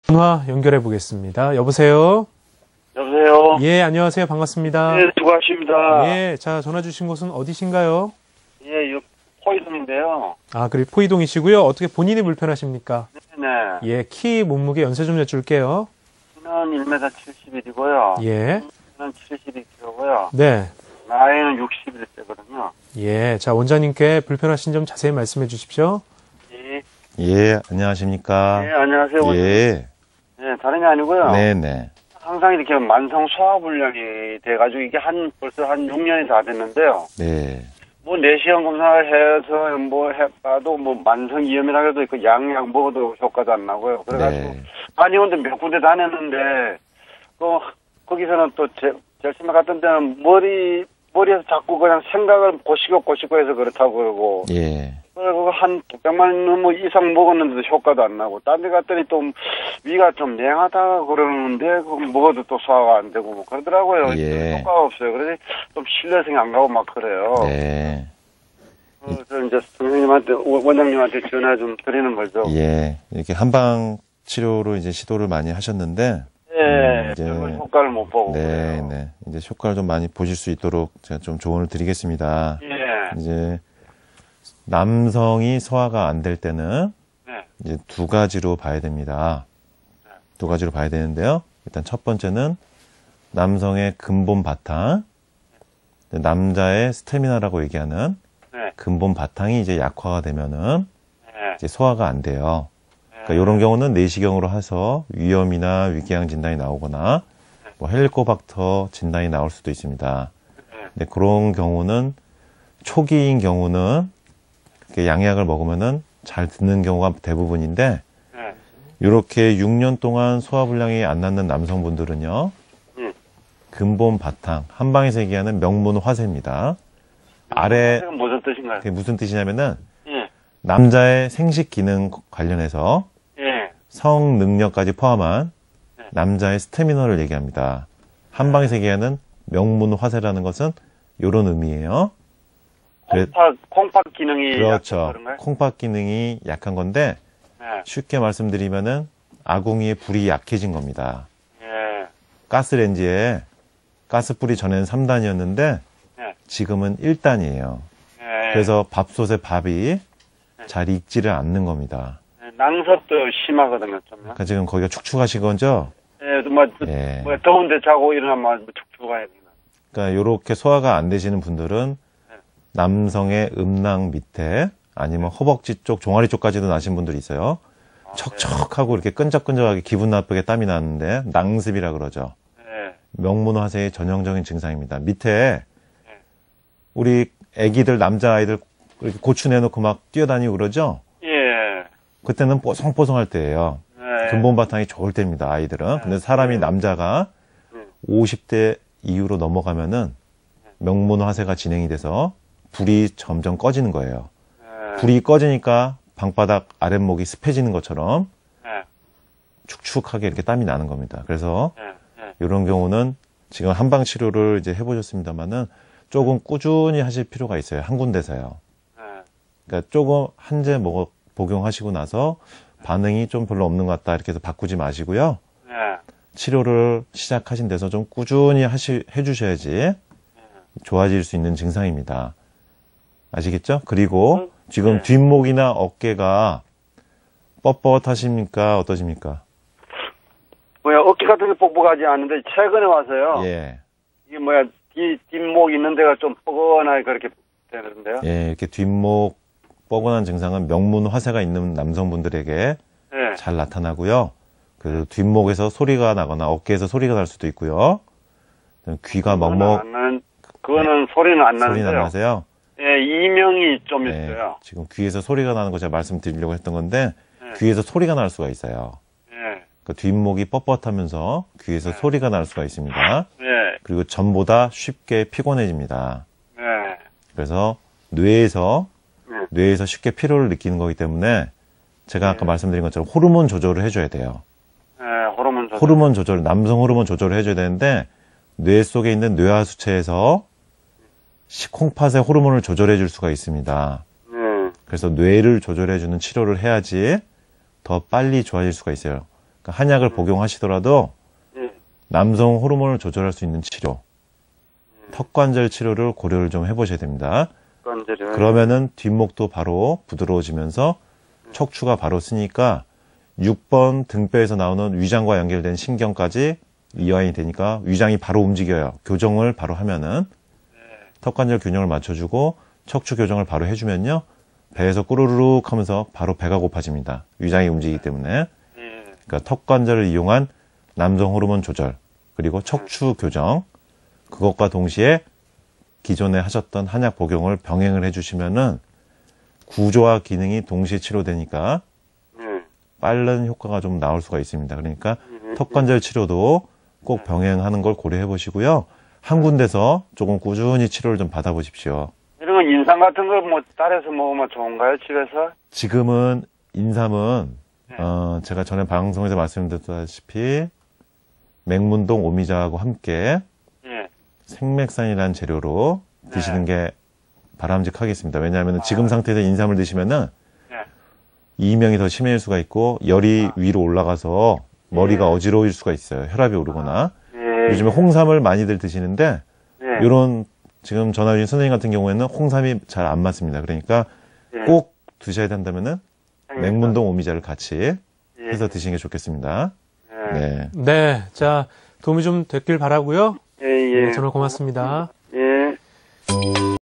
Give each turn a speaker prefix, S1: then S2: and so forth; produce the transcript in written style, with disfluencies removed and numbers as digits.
S1: 전화 연결해 보겠습니다. 여보세요?
S2: 여보세요?
S1: 예, 안녕하세요. 반갑습니다.
S2: 네, 수고하십니다.
S1: 예, 자, 전화 주신 곳은 어디신가요?
S2: 예, 요 포이동인데요.
S1: 아, 그리고 포이동이시고요. 어떻게 본인이 불편하십니까?
S2: 네.
S1: 예, 키, 몸무게 연세 좀 여쭐게요.
S2: 키는 1m 71이고요.
S1: 예,
S2: 키는 72kg고요.
S1: 네.
S2: 나이는 61세거든요.
S1: 예, 자, 원장님께 불편하신 점 자세히 말씀해 주십시오.
S2: 예.
S3: 예, 안녕하십니까.
S2: 네, 안녕하세요.
S3: 예.
S2: 네, 다름이 아니고요.
S3: 네네.
S2: 항상 이렇게 만성 소화불량이 돼가지고 이게 벌써 한 6년이 다 됐는데요.
S3: 네.
S2: 뭐 내시경 검사를 해서 뭐 해봐도 뭐 만성 이염이라 해도 그 양약 먹어도 효과도 안 나고요. 그래가지고
S3: 네.
S2: 다니는데 몇 군데 다녔는데 거기서는 또 제일 심해 갔던 데는 머리에서 자꾸 그냥 생각을 고시고 해서 그렇다고 그러고.
S3: 예.
S2: 그리고 한 100만 뭐 이상 먹었는데도 효과도 안 나고, 딴 데 갔더니 또 위가 좀 냉하다 그러는데, 그거 먹어도 또 소화가 안 되고, 뭐 그러더라고요.
S3: 예.
S2: 효과가 없어요. 그래서 좀 신뢰성이 안 가고 막 그래요.
S3: 네.
S2: 그래서 이제 선생님한테, 원장님한테 전화 좀 드리는 거죠.
S3: 예. 이렇게 한방 치료로 이제 시도를 많이 하셨는데,
S2: 예,
S3: 이제
S2: 별로 효과를 못 보고.
S3: 네,
S2: 그래요.
S3: 네. 이제 효과를 좀 많이 보실 수 있도록 제가 좀 조언을 드리겠습니다.
S2: 예.
S3: 이제 남성이 소화가 안 될 때는
S2: 네.
S3: 이제 두 가지로 봐야 됩니다. 두 가지로 봐야 되는데요. 일단 첫 번째는 남성의 근본 바탕, 남자의 스태미나라고 얘기하는
S2: 네.
S3: 근본 바탕이 이제 약화가 되면은
S2: 네.
S3: 이제 소화가 안 돼요. 그러니까 이런 경우는 내시경으로 해서 위염이나 위궤양 진단이 나오거나 뭐 헬리코박터 진단이 나올 수도 있습니다. 근데 그런 경우는 초기인 경우는 이렇게 양약을 먹으면은 잘 듣는 경우가 대부분인데
S2: 네.
S3: 이렇게 6년 동안 소화불량이 안 낫는 남성분들은요. 근본 바탕, 한방에서 얘기하는 명문 화세입니다. 아래
S2: 그건 무슨 뜻인가요?
S3: 그게 무슨 뜻이냐면은
S2: 예.
S3: 남자의 생식 기능 관련해서
S2: 예.
S3: 성 능력까지 포함한 남자의 스태미너를 얘기합니다. 한방에서 얘기하는 명문 화세라는 것은 이런 의미예요.
S2: 콩팥 기능이
S3: 그렇죠.
S2: 약한 그런가요?
S3: 콩팥 기능이 약한 건데
S2: 네.
S3: 쉽게 말씀드리면은 아궁이의 불이 약해진 겁니다.
S2: 예.
S3: 가스레인지에 가스불이 전에는 3단이었는데
S2: 네.
S3: 지금은 1단이에요.
S2: 예.
S3: 그래서 밥솥에 밥이 잘 익지를 않는 겁니다.
S2: 낭섭도 심하거든요, 좀요.
S3: 그러니까 지금 거기가 축축하신 거죠?
S2: 예,
S3: 예.
S2: 더운데 자고 일어나면 축축해야 되나.
S3: 그러니까 이렇게 소화가 안 되시는 분들은 남성의 음낭 밑에 아니면 허벅지 쪽, 종아리 쪽까지도 나신 분들이 있어요. 척척하고 이렇게 끈적끈적하게 기분 나쁘게 땀이 나는데 낭습이라 그러죠.
S2: 예.
S3: 명문화세의 전형적인 증상입니다. 밑에 우리 애기들, 남자아이들 이렇게 고추 내놓고 막 뛰어다니고 그러죠?
S2: 예.
S3: 그때는 뽀송뽀송할 때예요.
S2: 예.
S3: 근본 바탕이 좋을 때입니다, 아이들은. 근데 사람이 남자가 50대 이후로 넘어가면은 명문화세가 진행이 돼서 불이 점점 꺼지는 거예요. 불이 꺼지니까 방바닥 아랫목이 습해지는 것처럼
S2: 예.
S3: 축축하게 이렇게 땀이 나는 겁니다. 그래서
S2: 예.
S3: 이런 경우는 지금 한방 치료를 이제 해보셨습니다만은 조금 꾸준히 하실 필요가 있어요. 한 군데서요.
S2: 예.
S3: 그러니까 조금 한제 복용하시고 나서 반응이 좀 별로 없는 것 같다 이렇게 해서 바꾸지 마시고요.
S2: 예.
S3: 치료를 시작하신 데서 좀 꾸준히 해주셔야지 좋아질 수 있는 증상입니다. 아시겠죠? 그리고 지금 뒷목이나 어깨가 뻣뻣하십니까? 어떠십니까?
S2: 어깨 같은 게 뻑뻑하지 않은데 최근에 와서요.
S3: 예.
S2: 이게 뒷목 있는 데가 좀 뻐근하게 그렇게 되는데요.
S3: 예, 이렇게 뒷목 뻐근한 증상은 명문 화세가 있는 남성분들에게
S2: 예.
S3: 잘 나타나고요. 그 뒷목에서 소리가 나거나 어깨에서 소리가 날 수도 있고요. 귀가 먹먹.
S2: 그거는 소리는 안 나는데요.
S3: 소리는 안 나세요?
S2: 예, 이명이 좀
S3: 네,
S2: 있어요.
S3: 지금 귀에서 소리가 나는 거 제가 말씀드리려고 했던 건데
S2: 네.
S3: 귀에서 소리가 날 수가 있어요.
S2: 예.
S3: 그 뒷목이 뻣뻣하면서 귀에서 소리가 날 수가 있습니다.
S2: 예.
S3: 그리고 전보다 쉽게 피곤해집니다.
S2: 예.
S3: 그래서 뇌에서 쉽게 피로를 느끼는 거기 때문에 제가 아까 말씀드린 것처럼 호르몬 조절을 해줘야 돼요.
S2: 예,
S3: 호르몬 조절, 남성 호르몬 조절을 해줘야 되는데 뇌 속에 있는 뇌하수체에서 콩팥의 호르몬을 조절해 줄 수가 있습니다. 그래서 뇌를 조절해 주는 치료를 해야지 더 빨리 좋아질 수가 있어요. 그러니까 한약을 복용하시더라도
S2: 예.
S3: 남성 호르몬을 조절할 수 있는 치료, 턱관절 치료를 고려를 좀 해보셔야 됩니다.
S2: 관절이요.
S3: 그러면은 뒷목도 바로 부드러워지면서 척추가 바로 쓰니까 6번 등뼈에서 나오는 위장과 연결된 신경까지 이완이 되니까 위장이 바로 움직여요. 교정을 바로 하면은 턱관절 균형을 맞춰주고 척추 교정을 바로 해주면요. 배에서 꾸르륵 하면서 바로 배가 고파집니다. 위장이 움직이기 때문에.
S2: 예.
S3: 그러니까 턱관절을 이용한 남성 호르몬 조절, 그리고 척추 교정, 그것과 동시에 기존에 하셨던 한약 복용을 병행을 해주시면은 구조와 기능이 동시에 치료되니까
S2: 예.
S3: 빠른 효과가 좀 나올 수가 있습니다. 그러니까 턱관절 치료도 꼭 병행하는 걸 고려해 보시고요. 한 군데서 조금 꾸준히 치료를 좀 받아보십시오.
S2: 이런 거 인삼 같은 거 뭐 따라서 먹으면 좋은가요, 집에서?
S3: 지금은 인삼은 제가 전에 방송에서 말씀드렸다시피 맹문동 오미자하고 함께
S2: 예.
S3: 생맥산이라는 재료로 드시는 게 바람직하겠습니다. 왜냐하면 지금 상태에서 인삼을 드시면은
S2: 예.
S3: 이명이 더 심해질 수가 있고 열이 위로 올라가서 머리가 어지러울 수가 있어요. 혈압이 오르거나.
S2: 예.
S3: 요즘에 홍삼을 많이들 드시는데
S2: 예.
S3: 이런 지금 전화 주신 선생님 같은 경우에는 홍삼이 잘 안 맞습니다. 그러니까
S2: 예.
S3: 꼭 드셔야 된다면은 맹문동 오미자를 같이
S2: 예.
S3: 해서 드시는 게 좋겠습니다.
S2: 예.
S3: 네.
S1: 네. 자, 도움이 좀 됐길 바라고요.
S2: 예, 예.
S1: 네, 정말 고맙습니다.